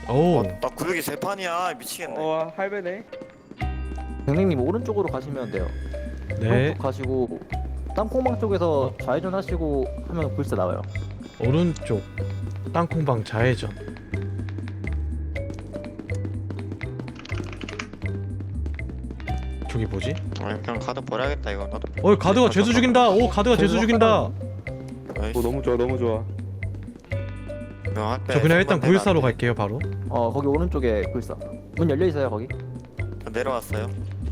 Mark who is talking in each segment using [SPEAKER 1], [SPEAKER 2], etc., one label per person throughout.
[SPEAKER 1] 오.
[SPEAKER 2] 나 구역이 세 판이야. 미치겠네.
[SPEAKER 3] 할배네.
[SPEAKER 4] 경님님 오른쪽으로 가시면 돼요.
[SPEAKER 1] 네.
[SPEAKER 4] 오른쪽 가시고 땅콩방 쪽에서 좌회전 하시고 하면 불사 나와요.
[SPEAKER 1] 오른쪽 땅콩방 좌회전. 저기 뭐지?
[SPEAKER 2] 그냥 가드 버려야겠다 이거. 나도.
[SPEAKER 1] 가드가 죄수 죽인다. 오, 가드가 죄수 죽인다.
[SPEAKER 2] 아이씨.
[SPEAKER 3] 너무 좋아 너무 좋아.
[SPEAKER 1] 저 그냥 일단 914로 갈게요 바로.
[SPEAKER 4] 거기 오른쪽에 불사. 문 열려 있어요 거기.
[SPEAKER 2] 내려왔어요.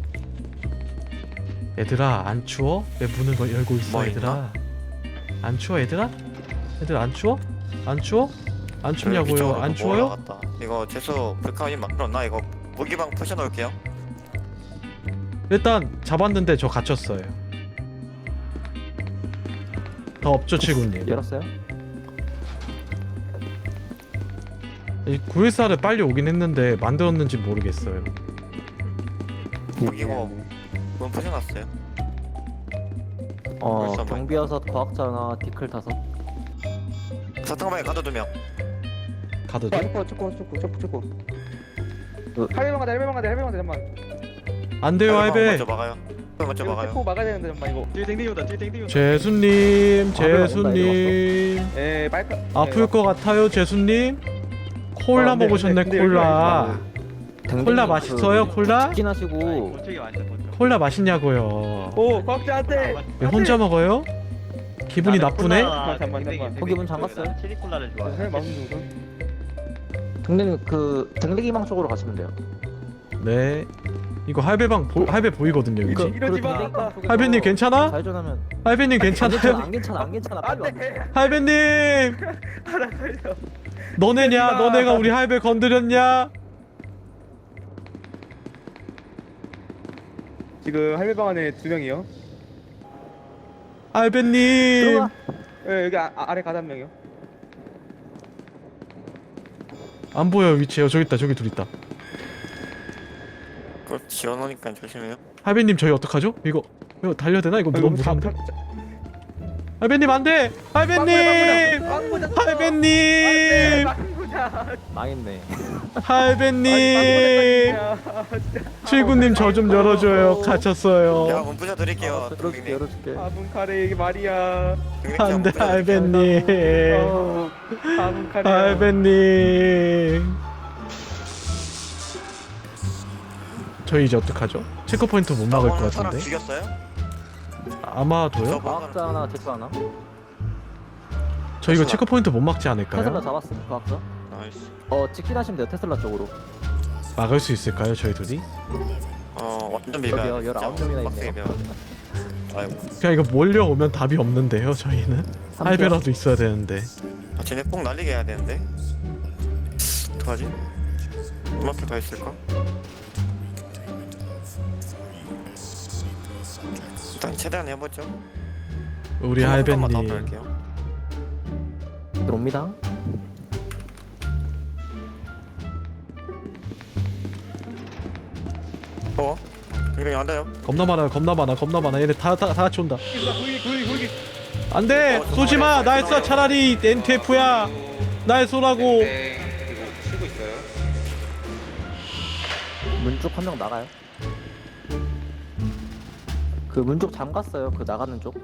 [SPEAKER 1] 얘들아 안 추워? 왜 문을 열고 있어
[SPEAKER 2] 뭐
[SPEAKER 1] 얘들아? 안 추워 얘들아? 얘들 안 추워? 안 추워? 안 춥냐고요? 안 추워요?
[SPEAKER 2] 올라갔다. 이거 재수 불카이 만들었나? 이거 무기방 푸셔 놓을게요.
[SPEAKER 1] 일단 잡았는데 저 갇혔어요. 더 없죠 칠구님?
[SPEAKER 4] 열었어요?
[SPEAKER 1] 이 914를 빨리 오긴 했는데 만들었는지 모르겠어요.
[SPEAKER 2] 무기고 문 푸셔 놨어요. 벌써
[SPEAKER 4] 경비여서 과학자나 디클 타서.
[SPEAKER 2] 사탕방에 가드 2명.
[SPEAKER 1] 가드들?
[SPEAKER 3] 초코.
[SPEAKER 4] 그-
[SPEAKER 3] 할배방 가자 잠만.
[SPEAKER 1] 안 돼요 할배.
[SPEAKER 2] 먼저 막아요. 먼저
[SPEAKER 3] 이거
[SPEAKER 2] 막아요.
[SPEAKER 3] 초코 막아야 되는데 잠만 이거.
[SPEAKER 1] 재수님,
[SPEAKER 4] 아, 내려온다,
[SPEAKER 1] 재수님.
[SPEAKER 3] 빨까.
[SPEAKER 1] 아플 것 같아요 재수님. 콜라
[SPEAKER 3] 근데
[SPEAKER 1] 먹으셨네
[SPEAKER 3] 여기
[SPEAKER 1] 콜라. 콜라
[SPEAKER 4] 그
[SPEAKER 1] 맛있어요 콜라?
[SPEAKER 4] 치킨 하시고
[SPEAKER 1] 콜라 맛있냐고요.
[SPEAKER 3] 오 과학자한테.
[SPEAKER 1] 왜 혼자 먹어요? 기분이 나쁘네?
[SPEAKER 3] 잠만.
[SPEAKER 4] 거기 문 잠갔어요?
[SPEAKER 5] 체리콜라를 좋아해.
[SPEAKER 3] 선생님 마음 좀.
[SPEAKER 4] 경님 그 댕댕이방 쪽으로 가시면 돼요.
[SPEAKER 1] 네. 이거 할배 보이거든요 여기.
[SPEAKER 3] 이러지 마.
[SPEAKER 4] 댕댕이방 쪽에서
[SPEAKER 1] 할배님 괜찮아?
[SPEAKER 4] 좌회전하면
[SPEAKER 1] 할배님 괜찮아요?
[SPEAKER 4] 안 괜찮아 빨리 와.
[SPEAKER 3] 안돼.
[SPEAKER 1] 할배님!
[SPEAKER 3] 하나 살려.
[SPEAKER 1] 너네냐? 너네가 우리 할배 건드렸냐?
[SPEAKER 3] 지금 할배방 안에 2명이요.
[SPEAKER 1] 할배님!
[SPEAKER 4] 들어가.
[SPEAKER 3] 여기 아래 가다 1명이요.
[SPEAKER 1] 안 보여 위치요. 저기 있다. 저기 둘 있다.
[SPEAKER 2] 그거 지어놓으니까 조심해요.
[SPEAKER 1] 할배님 저희 어떡하죠? 이거 달려야 되나? 이거 너무 무서운데? 할배님 안 돼! 할배님! 할배님!
[SPEAKER 4] 망했네.
[SPEAKER 1] 할배님! 칠구님 저 좀 열어줘요.
[SPEAKER 2] 제가
[SPEAKER 1] 갇혔어요.
[SPEAKER 2] 문 부셔 드릴게요.
[SPEAKER 4] 열어줄게.
[SPEAKER 3] 아분 카레 이게 말이야.
[SPEAKER 1] 안돼 할배님.
[SPEAKER 3] 아분 카레.
[SPEAKER 1] 할배님. 저희 이제 어떡하죠? 체크포인트 못 막을 것
[SPEAKER 2] 사람
[SPEAKER 1] 같은데?
[SPEAKER 2] 죽였어요?
[SPEAKER 1] 아마도요?
[SPEAKER 4] 과학자 하나 제수 하나.
[SPEAKER 1] 저 이거 체크포인트 못 막지 않을까요?
[SPEAKER 4] 테슬라 잡았어 과학자.
[SPEAKER 2] 나이스.
[SPEAKER 4] 직진 하시면 돼요 테슬라 쪽으로.
[SPEAKER 1] 막을 수 있을까요 저희 둘이?
[SPEAKER 2] 완전 비벼.
[SPEAKER 4] 여기요, 19명이나 있네요.
[SPEAKER 2] 아이고.
[SPEAKER 1] 그냥 이거 몰려오면 답이 없는데요 저희는? 할배라도 있어야 되는데.
[SPEAKER 2] 쟤네 꼭 날리게 해야 되는데. 어떡하지? 음악도 더 있을까? 일단 최대한 해보죠.
[SPEAKER 1] 우리
[SPEAKER 2] 한 번만
[SPEAKER 1] 할배님
[SPEAKER 2] 더 할게요.
[SPEAKER 4] 들어옵니다.
[SPEAKER 2] 굉장히 안 돼요.
[SPEAKER 1] 겁나 많아 얘네 다 같이 온다.
[SPEAKER 3] 굴기.
[SPEAKER 1] 안돼! 쏘지마! 날 쏴 차라리 NTF야! 날 쏘라고!
[SPEAKER 5] 치고 있어요.
[SPEAKER 4] 문 쪽 한 명 나가요. 그 문 쪽 잠갔어요. 그 나가는 쪽.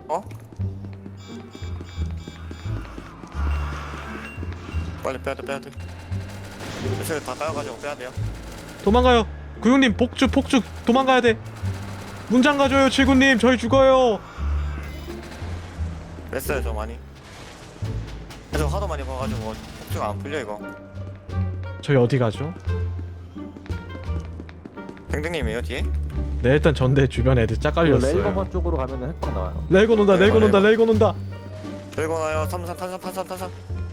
[SPEAKER 2] 빨리 빼야 돼. 사실 다 따여가지고 빼야 돼요.
[SPEAKER 1] 도망가요! 구육님 폭죽 도망가야 돼! 문장 가줘요 칠구님 저희 죽어요!
[SPEAKER 2] 뺐어요 저 많이. 그래서 하도 많이 봐가지고 폭주가 안 풀려 이거.
[SPEAKER 1] 저희 어디 가죠?
[SPEAKER 2] 댕댕님이에요 뒤에?
[SPEAKER 1] 네 일단 전대 주변 애들 짝 깔렸어요.
[SPEAKER 4] 레일버버 쪽으로 가면은 핵방 나와요.
[SPEAKER 1] 레이건 온다.
[SPEAKER 2] 들고 나요. 탄산.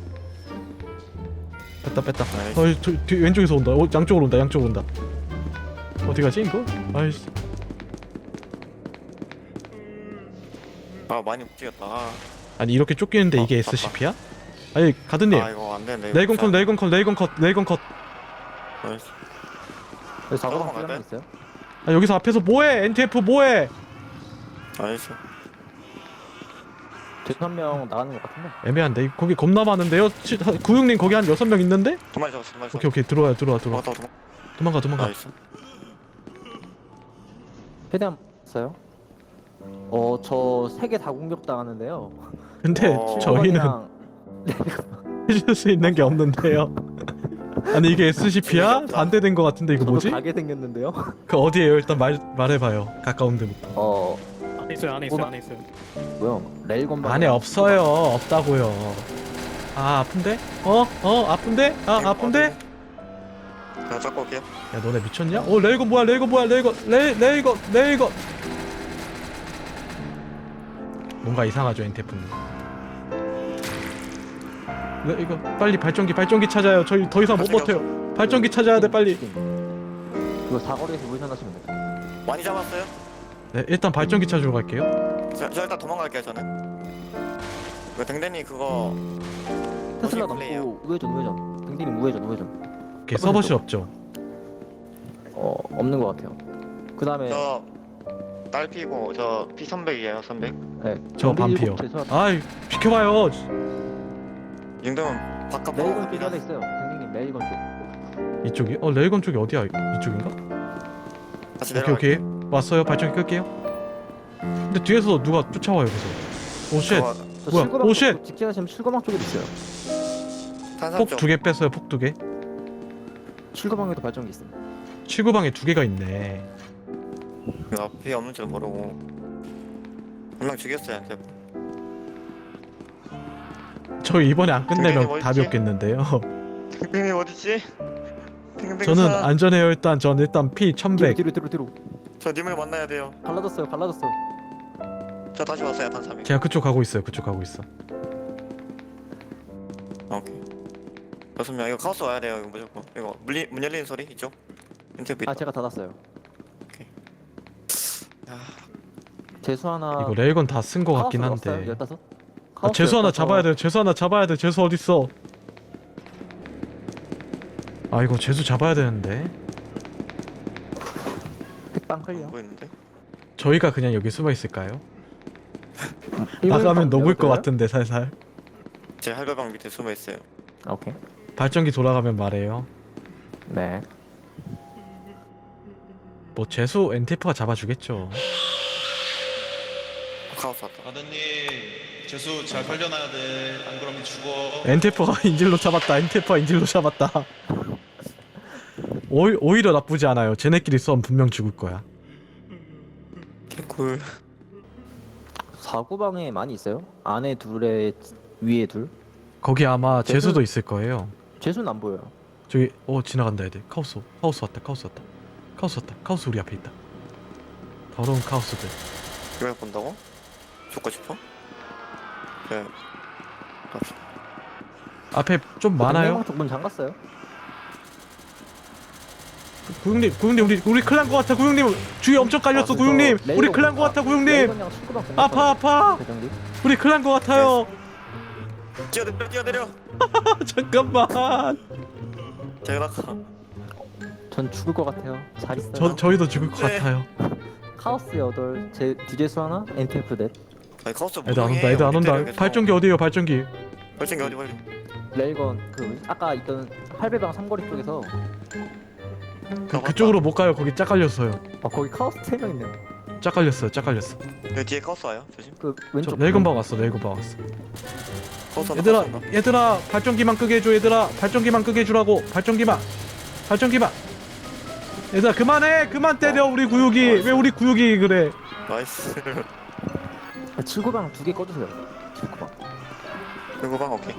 [SPEAKER 1] 뺐다.
[SPEAKER 2] 나이스.
[SPEAKER 1] 뒤 왼쪽에서 온다. 양쪽으로 온다. 어디 가지 이거? 아이씨.
[SPEAKER 2] 많이 움직였다.
[SPEAKER 1] 아니 이렇게 쫓기는데 이게
[SPEAKER 2] 맞다.
[SPEAKER 1] SCP야? 아니 가드님.
[SPEAKER 2] 이거 안 되는데.
[SPEAKER 1] 레이건 컷.
[SPEAKER 2] 나이스.
[SPEAKER 4] 여기 작업방
[SPEAKER 2] 넘어갈까요?
[SPEAKER 4] 필요한 게 있어요?
[SPEAKER 1] 아 여기서 앞에서 뭐해? NTF 뭐해?
[SPEAKER 2] 나이스.
[SPEAKER 4] 제수 한 명 나가는 것 같은데.
[SPEAKER 1] 애매한데 거기 겁나 많은데요? 구육님 거기 한 6명 있는데?
[SPEAKER 2] 두 마리 잡았어 두 마리
[SPEAKER 1] 오케이 오케이 들어와요 들어와
[SPEAKER 2] 도망가
[SPEAKER 1] 도망가
[SPEAKER 2] 나이스.
[SPEAKER 4] 최대한 써요. 저 3개 다 공격당하는데요.
[SPEAKER 1] 근데 저희는
[SPEAKER 4] 그냥
[SPEAKER 1] 해줄 수 있는 게 없는데요. 아니 이게 SCP야? 반대된 거 같은데 이거
[SPEAKER 4] 저도
[SPEAKER 1] 뭐지?
[SPEAKER 4] 가게 생겼는데요.
[SPEAKER 1] 그 어디에요? 일단 말해봐요. 가까운 데부터.
[SPEAKER 3] 안에 있어요 안에 있어요 안에 있어요.
[SPEAKER 4] 뭐요? 레일건방
[SPEAKER 1] 안에 없어요. 없다고요. 아 아픈데? 아픈데? 아 아픈데?
[SPEAKER 2] 제가 잡고 올게요.
[SPEAKER 1] 야 너네 미쳤냐? 레이건 뭐야 레이건 뭔가 이상하죠 엔테프는. 이거 빨리 발전기 찾아요. 저희 더 이상 못
[SPEAKER 2] 발전기
[SPEAKER 1] 버텨요. 발전기 찾아야 돼 빨리.
[SPEAKER 4] 이거 사거리에서 우회전하시면 돼요.
[SPEAKER 2] 많이 잡았어요?
[SPEAKER 1] 네 일단 발전기 찾으러 갈게요.
[SPEAKER 2] 저 일단 도망갈게요 저는. 그 댕댕이 그거
[SPEAKER 4] 테슬라
[SPEAKER 2] 플레이요.
[SPEAKER 4] 넘고 우회전. 등디님 우회전.
[SPEAKER 1] 오케이 서버실 없죠?
[SPEAKER 4] 없는 것 같아요. 그 다음에
[SPEAKER 2] 저 딸피고 저 P300이에요 300.
[SPEAKER 1] 저 반피요. 아이 비켜봐요.
[SPEAKER 2] 이 정도면 바깥
[SPEAKER 4] 레일건
[SPEAKER 2] 보고
[SPEAKER 4] 쪽에
[SPEAKER 2] 갑니다.
[SPEAKER 4] 하나 있어요. 등디님 레일건 쪽.
[SPEAKER 1] 이쪽이? 레이건 쪽이 어디야? 이쪽인가?
[SPEAKER 2] 같이
[SPEAKER 1] 오케이
[SPEAKER 2] 내려갈게요.
[SPEAKER 1] 오케이 왔어요. 발전기 끌게요. 근데 뒤에서 누가 쫓아와요 그래서. 오쉣.
[SPEAKER 2] 저거
[SPEAKER 4] 저
[SPEAKER 1] 뭐야?
[SPEAKER 4] 출구방
[SPEAKER 1] 오, 쉣!
[SPEAKER 4] 쪽 직진하시면 출구방 쪽에도 있어요.
[SPEAKER 2] 탄산
[SPEAKER 1] 폭
[SPEAKER 2] 쪽.
[SPEAKER 1] 2개 뺐어요. 폭 2개.
[SPEAKER 4] 출구방에도 발전기 있어요.
[SPEAKER 1] 치구방에 2개가 있네.
[SPEAKER 2] 그 앞에 없는 줄 모르고 한 명 죽였어요. 이제.
[SPEAKER 1] 저희 이번에 안 끝내면
[SPEAKER 2] 등등이
[SPEAKER 1] 답이
[SPEAKER 2] 어딨지?
[SPEAKER 1] 없겠는데요.
[SPEAKER 2] 댕댕이 어딨지? 댕댕이
[SPEAKER 1] 저는 안전해요. 일단 P 1100.
[SPEAKER 4] 뒤로.
[SPEAKER 2] 저 님을 만나야 돼요.
[SPEAKER 4] 갈라졌어요.
[SPEAKER 2] 저 다시 왔어요 탄삼이.
[SPEAKER 1] 제가 그쪽 가고 있어요. 그쪽 가고 있어.
[SPEAKER 2] 오케이. 6명 이거 카오스 와야 돼요. 이거 무조건. 이거 문 열리는 소리 이쪽. 인터뷰 있다.
[SPEAKER 4] 제가 닫았어요.
[SPEAKER 2] 야,
[SPEAKER 4] 재수 하나.
[SPEAKER 1] 이거 레이건 다 쓴 거 같긴
[SPEAKER 4] 카오스
[SPEAKER 1] 한데.
[SPEAKER 4] 넣었어요? 15?
[SPEAKER 1] 아, 재수 하나
[SPEAKER 4] 카오스
[SPEAKER 1] 잡아야 돼요. 재수 하나 잡아야 돼. 재수 어디 있어? 아 이거 재수 잡아야 되는데.
[SPEAKER 4] 팩빵 클리어.
[SPEAKER 2] 보이는데?
[SPEAKER 1] 저희가 그냥 여기 숨어 있을까요?
[SPEAKER 4] 일본
[SPEAKER 1] 나가면
[SPEAKER 4] 방
[SPEAKER 1] 녹을 것
[SPEAKER 4] 열어줘요?
[SPEAKER 1] 같은데 살살.
[SPEAKER 2] 제 할배방 밑에 숨어 있어요.
[SPEAKER 4] 오케이.
[SPEAKER 1] 발전기 돌아가면 말해요.
[SPEAKER 4] 네.
[SPEAKER 1] 뭐 재수 엔테프가 잡아주겠죠.
[SPEAKER 2] 카오스 왔다.
[SPEAKER 6] 아드님 재수 잘 살려놔야 돼. 안 그러면 죽어.
[SPEAKER 1] 엔테프가 인질로 잡았다. 엔테프가 인질로 잡았다. 오히려 나쁘지 않아요. 쟤네끼리 싸움 분명 죽을 거야.
[SPEAKER 2] 개꿀.
[SPEAKER 4] 사구방에 많이 있어요? 안에 둘에 위에 둘.
[SPEAKER 1] 거기 아마
[SPEAKER 4] 재수-
[SPEAKER 1] 재수도 있을 거예요.
[SPEAKER 4] 재수는 안 보여요.
[SPEAKER 1] 저기 지나간다 애들. 카오스 왔다. 카오스 우리 앞에 있다. 더러운 카오스들.
[SPEAKER 2] 이걸 본다고? 죽고 싶어? 네. 갑시다.
[SPEAKER 1] 앞에 좀 많아요.
[SPEAKER 4] 방 쪽문 잠갔어요?
[SPEAKER 1] 구육님 우리 클난 거 같아. 구육님 주위 엄청 깔렸어. 구육님 우리 클난 거 같아. 구육님
[SPEAKER 4] 레이건이랑 출구방
[SPEAKER 1] 아파.
[SPEAKER 4] 대장님.
[SPEAKER 1] 우리 클난 거 같아요.
[SPEAKER 2] 뛰어내려.
[SPEAKER 1] 잠깐만.
[SPEAKER 2] 제가 나가.
[SPEAKER 4] 전 죽을 것 같아요. 잘 있어요.
[SPEAKER 1] 저희도 죽을 것
[SPEAKER 2] 네.
[SPEAKER 1] 같아요.
[SPEAKER 4] 카오스 8, 디제수 하나, NTF 넷.
[SPEAKER 2] 아니 카오스
[SPEAKER 1] 애들 안 온다. 발전기 어디에요? 발전기.
[SPEAKER 2] 발전기 어디 빨리.
[SPEAKER 4] 레일건 아까 있던 할배방 삼거리 쪽에서
[SPEAKER 1] 그쪽으로 못 가요. 거기 짝 깔렸어요.
[SPEAKER 4] 거기 카오스 3명 있네.
[SPEAKER 1] 짝 깔렸어.
[SPEAKER 2] 여기 뒤에 카오스 와요. 조심.
[SPEAKER 4] 그
[SPEAKER 1] 저
[SPEAKER 4] 왼쪽.
[SPEAKER 1] 레이건 방 왔어.
[SPEAKER 2] 카오스
[SPEAKER 1] 얘들아 발전기만 끄게 해줘. 얘들아 발전기만 끄게 해주라고. 발전기만. 얘들아 그만 때려 우리 구육이. 왜 우리 구육이 그래?
[SPEAKER 2] 나이스.
[SPEAKER 4] 출구방 2개 꺼주세요. 출구방.
[SPEAKER 2] 그리고 방 오케이.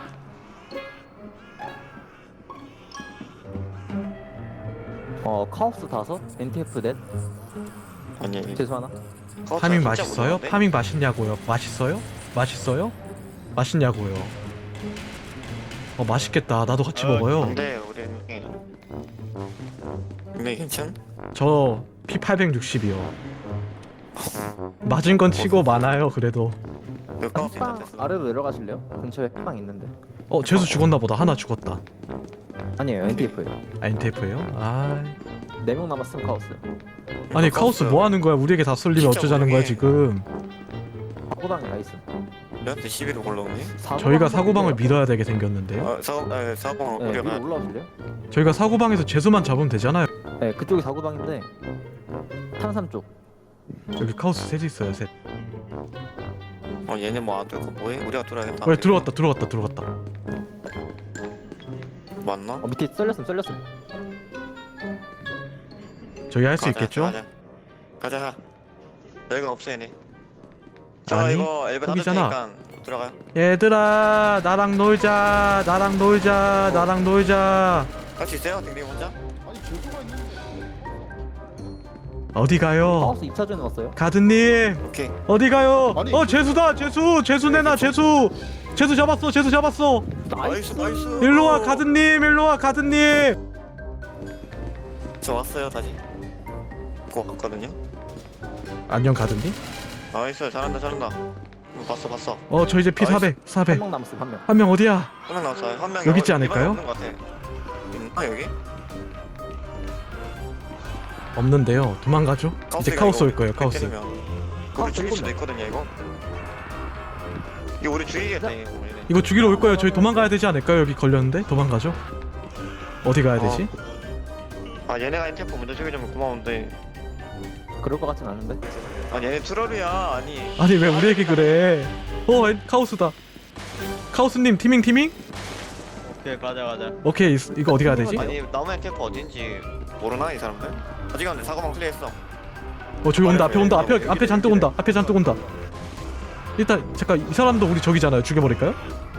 [SPEAKER 4] 카오스 5, NTF 넷.
[SPEAKER 2] 아니.
[SPEAKER 4] 재수 하나.
[SPEAKER 2] 카오스
[SPEAKER 1] 파밍
[SPEAKER 2] 진짜
[SPEAKER 1] 맛있어요?
[SPEAKER 2] 무서운데?
[SPEAKER 1] 파밍 맛있냐고요? 맛있냐고요? 맛있겠다. 나도 같이 먹어요.
[SPEAKER 2] 근데 우리 근데 괜찮?
[SPEAKER 1] 저 P860이요. 맞은 건 치고 많아요. 그래도.
[SPEAKER 2] 여기 카오스
[SPEAKER 4] 팩빵
[SPEAKER 2] 있는데.
[SPEAKER 4] 아래로 내려가실래요? 근처에 팩빵 있는데.
[SPEAKER 1] 재수 죽었나 보다. 하나 죽었다.
[SPEAKER 4] 아니에요, NTF예요.
[SPEAKER 1] NTF예요? 아,
[SPEAKER 4] 4명 남았으면 카오스.
[SPEAKER 1] 아니 카오스 뭐 하는 거야? 우리에게 다 쏠리면
[SPEAKER 2] 진짜
[SPEAKER 1] 어쩌자는 거야
[SPEAKER 2] 모르게.
[SPEAKER 1] 지금?
[SPEAKER 4] 사구방에 가 있어.
[SPEAKER 2] 저한테 11로 올라오네.
[SPEAKER 1] 저희가 사고방을 밀어야 되게 생겼는데요.
[SPEAKER 2] 사고방
[SPEAKER 4] 네,
[SPEAKER 2] 우리가
[SPEAKER 4] 위로 올라오실래요?
[SPEAKER 1] 저희가 사고방에서 죄수만 잡으면 되잖아요.
[SPEAKER 4] 네, 그쪽이 사고방인데 탄산 쪽.
[SPEAKER 1] 여기 카오스 셋이 있어요. 셋.
[SPEAKER 2] 얘네 뭐 안 뚫고 뭐해? 우리가 뚫어야겠다.
[SPEAKER 1] 왜 들어갔다.
[SPEAKER 2] 맞나?
[SPEAKER 4] 밑에 썰렸음.
[SPEAKER 1] 저희 할 수
[SPEAKER 2] 가자,
[SPEAKER 1] 있겠죠?
[SPEAKER 2] 가자. 여기가 없어 얘네. 자
[SPEAKER 1] 아니,
[SPEAKER 2] 이거 엘베 닫을
[SPEAKER 1] 거기잖아.
[SPEAKER 2] 테니까 들어가요.
[SPEAKER 1] 얘들아 나랑 놀자.
[SPEAKER 2] 할 수 있어요? 딩딩 혼자?
[SPEAKER 1] 어디 가요?
[SPEAKER 4] 카오스 2차전에 왔어요.
[SPEAKER 1] 가드님
[SPEAKER 2] 오케이.
[SPEAKER 1] 어디 가요?
[SPEAKER 7] 아니,
[SPEAKER 1] 죄수다. 죄수 내놔. 죄수 잡았어.
[SPEAKER 2] 나이스.
[SPEAKER 1] 일로 와 가드님.
[SPEAKER 2] 저 왔어요 다시. 고 갔거든요.
[SPEAKER 1] 안녕 가드님.
[SPEAKER 2] 나이스 잘한다. 봤어.
[SPEAKER 1] 저 이제 피
[SPEAKER 2] 나이스.
[SPEAKER 1] 400.
[SPEAKER 4] 한 명 남았어, 한 명.
[SPEAKER 1] 한 명 어디야?
[SPEAKER 2] 한 명 나왔어요. 한 명
[SPEAKER 1] 여기 있지 않을까요?
[SPEAKER 2] 없는 것 같아. 있나 여기?
[SPEAKER 1] 없는데요. 도망가죠. 이제 카오스 올 거예요. 카오스.
[SPEAKER 2] 우리
[SPEAKER 4] 카오스
[SPEAKER 2] 죽일 수도
[SPEAKER 4] 일곱
[SPEAKER 2] 있거든요 이거. 이거 우리 죽이겠다 이거. 얘네.
[SPEAKER 1] 이거 죽이러 올 거예요. 저희 도망가야 되지 않을까요? 여기 걸렸는데 도망가죠. 어디 가야 되지?
[SPEAKER 2] 얘네가 인템포 먼저 죽여주면 고마운데.
[SPEAKER 4] 그럴 것 같진 않은데.
[SPEAKER 2] 얘네 트롤이야.
[SPEAKER 1] 아니 왜 우리에게 그래? 카오스다. 카오스님 티밍?
[SPEAKER 5] 오케이 가자.
[SPEAKER 1] 오케이 이거 어디 가야 되지?
[SPEAKER 2] 아니 나무 인템포 어딘지 모르나 이 사람들? 아직 안돼. 사고방 클리어했어.
[SPEAKER 1] 저기 온다. 앞에 잔뜩 온다. 일단 잠깐 이 사람도 우리 적이잖아요. 죽여버릴까요?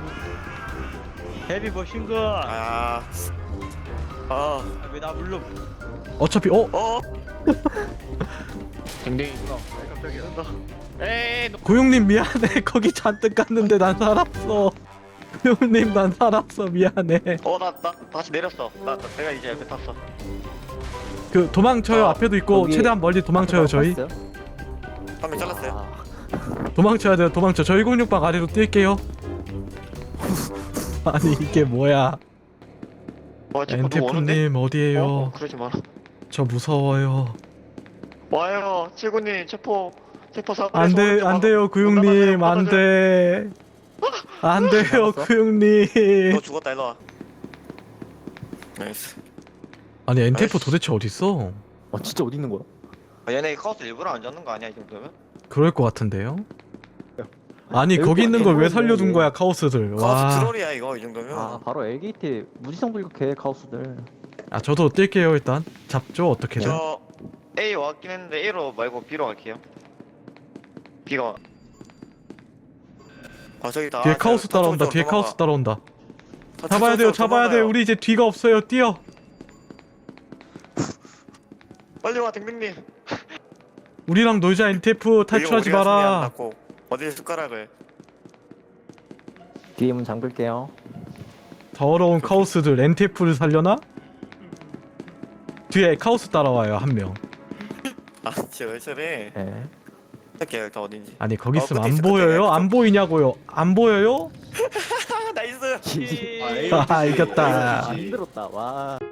[SPEAKER 5] 헤비 머신건. 왜 나 불러?
[SPEAKER 1] 어차피
[SPEAKER 2] 딩딩. 에이.
[SPEAKER 1] 고용님 미안해. 거기 잔뜩 갔는데 난 살았어. 고용님 난 살았어. 미안해.
[SPEAKER 2] 나 다시 내렸어. 내가 이제 옆에 탔어.
[SPEAKER 1] 그 도망쳐요. 앞에도 있고
[SPEAKER 4] 거기
[SPEAKER 1] 최대한 멀리 도망쳐요. 저희
[SPEAKER 4] 봤어요?
[SPEAKER 2] 한 명 잘랐어요.
[SPEAKER 1] 도망쳐야 돼요. 저희 106방 아래로 뛸게요. 아니 이게 뭐야?
[SPEAKER 2] 자꾸 누구 오는데?
[SPEAKER 1] 엔테프님 어디에요?
[SPEAKER 2] 그러지 마라.
[SPEAKER 1] 저 무서워요.
[SPEAKER 2] 와요. 칠구님 체포 사고.
[SPEAKER 1] 안 돼요, 구용님. 안 돼요,
[SPEAKER 4] 남았어?
[SPEAKER 1] 구용님.
[SPEAKER 2] 너 죽었다 일로 와. 나이스.
[SPEAKER 1] 아니 엔테프
[SPEAKER 2] 아이씨.
[SPEAKER 1] 도대체 어디 있어?
[SPEAKER 4] 진짜 어디 있는 거야?
[SPEAKER 2] 얘네 카우스 일부러 안 잡는 거 아니야 이 정도면?
[SPEAKER 1] 그럴 것 같은데요. 아니
[SPEAKER 4] 여기
[SPEAKER 1] 거기 있는 걸 왜
[SPEAKER 4] 대부분이-
[SPEAKER 1] 살려둔 거야 카오스들.
[SPEAKER 2] 카우스
[SPEAKER 1] 와.
[SPEAKER 2] 트롤이야 이거 이 정도면.
[SPEAKER 4] 바로 LGT 무지성 불격해 카오스들.
[SPEAKER 1] 저도 뛸게요 일단. 잡죠 어떻게든.
[SPEAKER 2] 저 A 왔긴 했는데 A로 말고 B로 갈게요. B가. 저기다.
[SPEAKER 1] 뒤에 카오스 따라온다. 뒤에 카오스 따라온다. 잡아야 돼요. 우리 이제 뒤가 없어요. 뛰어.
[SPEAKER 2] 빨리 와 댕댕님.
[SPEAKER 1] 우리랑 놀자 엔테프 탈출하지 마라.
[SPEAKER 2] 어디 숟가락을.
[SPEAKER 4] 뒤에 문 잠글게요.
[SPEAKER 1] 더러운 카오스들 엔테프를 살려나? 뒤에 카오스 따라와요 한 명.
[SPEAKER 2] 진짜 왜 저래?
[SPEAKER 4] 네.
[SPEAKER 2] 할게요 일단 어딘지.
[SPEAKER 1] 아니 거기 있으면
[SPEAKER 2] 끝에
[SPEAKER 1] 안
[SPEAKER 2] 있어,
[SPEAKER 1] 보여요?
[SPEAKER 2] 끝에.
[SPEAKER 1] 안 보이냐고요? 안 보여요?
[SPEAKER 2] 나이스.
[SPEAKER 1] 아 이겼다.
[SPEAKER 4] 힘들었다. 와.